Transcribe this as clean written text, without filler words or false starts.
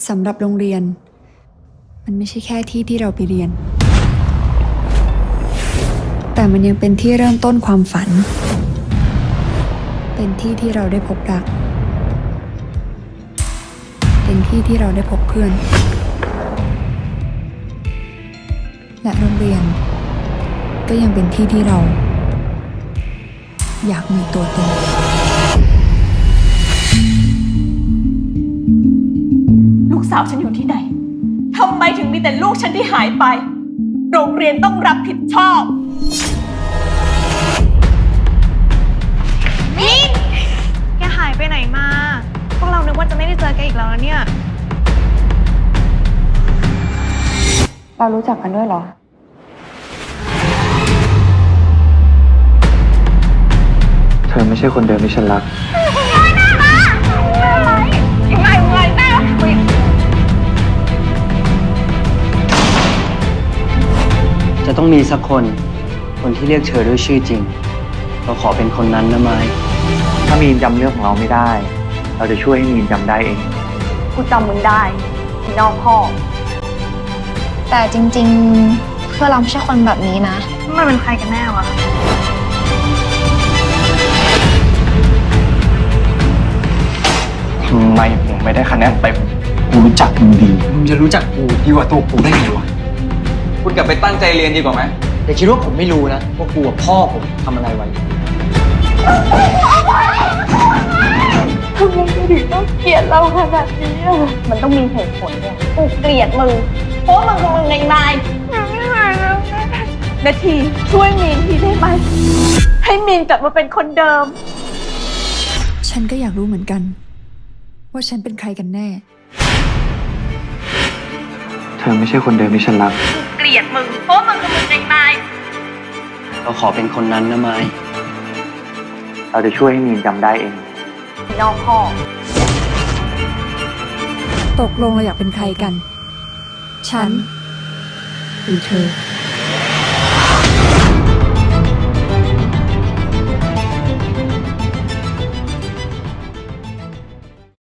สำหรับโรงเรียนมันไม่ใช่แค่ที่ที่เราไปเรียนแต่มันยังเป็นที่เริ่มต้นความฝันเป็นที่ที่เราได้พบรักเป็นที่ที่เราได้พบเพื่อนและโรงเรียนก็ยังเป็นที่ที่เราอยากมีตัวตนลูกสาวฉันอยู่ที่ไหนทำไมถึงมีแต่ลูกฉันที่หายไปโรงเรียนต้องรับผิดชอบมิ้นแกหายไปไหนมาพวกเรานึกว่าจะไม่ได้เจอแกอีกแล้วนะเนี่ยเรารู้จักกันด้วยเหรอเธอไม่ใช่คนเดิมที่ฉันรักจะต้องมีสักคนที่เรียกเธอด้วยชื่อจริงเราขอเป็นคนนั้นนะไม้ถ้ามีนจำเรื่องของเราไม่ได้ เราจะช่วยให้มีนจำได้เองกูจำมึงได้ที่นอกห้องแต่จริงๆเพื่อเราไม่ใช่คนแบบนี้นะมันเป็นใครกันแน่วะทำไมผมไม่ได้คะแนนเต็มกูรู้จักมึงดีมึงจะรู้จักกูดีกว่าตัวกูได้ไงวะคุณกลับไปตั้งใจเรียนดีกว่าไหมอย่าคิดว่าผมไม่รู้นะว่ากูกับพ่อผมทำอะไรไว้ทำไมถึงต้องเกลียดเราขนาดนี้อ่ะมันต้องมีเหตุผลเนี่ยกูเกลียดมึงเพราะมึงเป็นไงนายนาทีช่วยมีนทีได้ไหมให้มีนกลับมาเป็นคนเดิมฉันก็อยากรู้เหมือนกันว่าฉันเป็นใครกันแน่เธอไม่ใช่คนเดิมที่ฉันรักเกลียดมึงเพราะมึงเป็นไงนายเราขอเป็นคนนั้นนะไม้เราจะช่วยให้มีนจำได้เองนอกห้องตกลงเราอยากเป็นใครกันฉันหรือเธอ